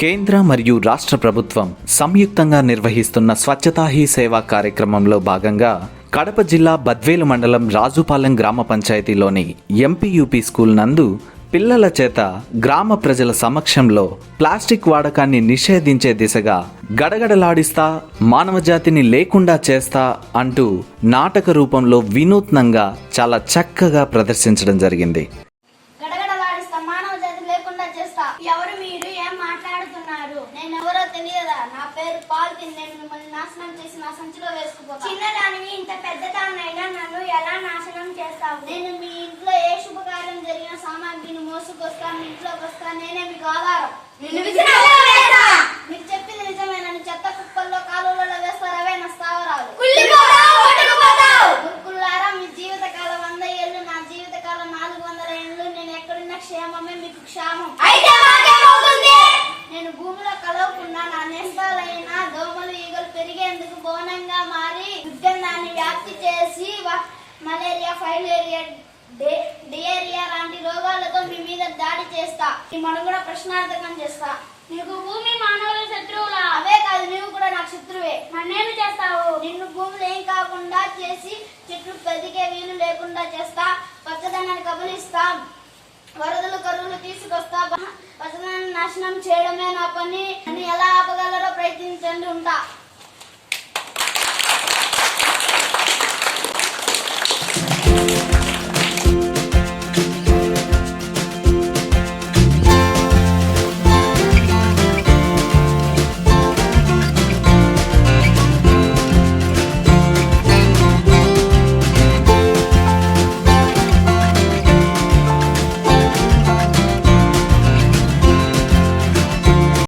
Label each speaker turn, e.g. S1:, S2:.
S1: కేంద్ర మరియు రాష్ట్ర ప్రభుత్వం సంయుక్తంగా నిర్వహిస్తున్న స్వచ్ఛతా హీ సేవా కార్యక్రమంలో భాగంగా కడప జిల్లా బద్వేలు మండలం రాజుపాలెం గ్రామ పంచాయతీలోని ఎంపీయూపీ స్కూల్ నందు పిల్లల చేత గ్రామ ప్రజల సమక్షంలో ప్లాస్టిక్ వాడకాన్ని నిషేధించే దిశగా గడగడలాడిస్తా మానవజాతిని లేకుండా చేస్తా అంటూ నాటక రూపంలో వినూత్నంగా చాలా చక్కగా ప్రదర్శించడం జరిగింది.
S2: ఎవరు మీరు? ఏం మాట్లాడుతున్నారు? నేను ఎవరో తెలియదా? నా పేరు పాల్కిన్. నేను మిమ్మల్ని నాశనం చేసి నా సంచిలో వేసుకుపోతా. చిన్నదానివి ఇంత పెద్దదాన్నైనా నన్ను ఎలా నాశనం చేస్తావు? నేను మీ ఇంట్లో ఏ శుభకార్యం జరిగిన సామాగ్రిని మోసుకొస్తా, మీ ఇంట్లోకి వస్తా. నేనే మీకు ఆధారం. మీరు చెప్పింది నిజమేనని చెత్త కుప్పల్లో కాలువలలో వేస్తారు. అవే నా స్థావరాలు. గురుకుల్లారా, మీ జీవితకాలం 100 ఏళ్ళు, నా జీవితకాలం 400 ఏళ్ళు. నేను ఎక్కడున్న క్షేమమే మీకు క్షేమం. నేను భూమిలో కలవకుండా నా నేస్తాలైన దోమలు ఈగలు పెరిగేందుకు బోనంగా మారి దుర్గంధాన్ని వ్యాప్తి చేసి మలేరియా, ఫైలేరియా, డియేరియా లాంటి రోగాలతో మీ మీద దాడి చేస్తా. ఈ మనుగడ ప్రశ్నార్థకం చేస్తా. నీకు భూమి మానవుల శత్రువులా? అవే కాదు, నీవు కూడా నాకు శత్రువే. నన్నేమి చేస్తావు? నిన్ను భూములు ఏం కాకుండా చేసి చెట్లు పెరిగే వీలు లేకుండా చేస్తా. పచ్చదనాన్ని కబలిస్తా. వరదలు, కరువులు తీసుకొస్తా. పచ్చదనాన్ని నాశనం చేయడమే నా పని అని ఎలా ఆపగలరో ప్రయత్నించండి. ఉంటా.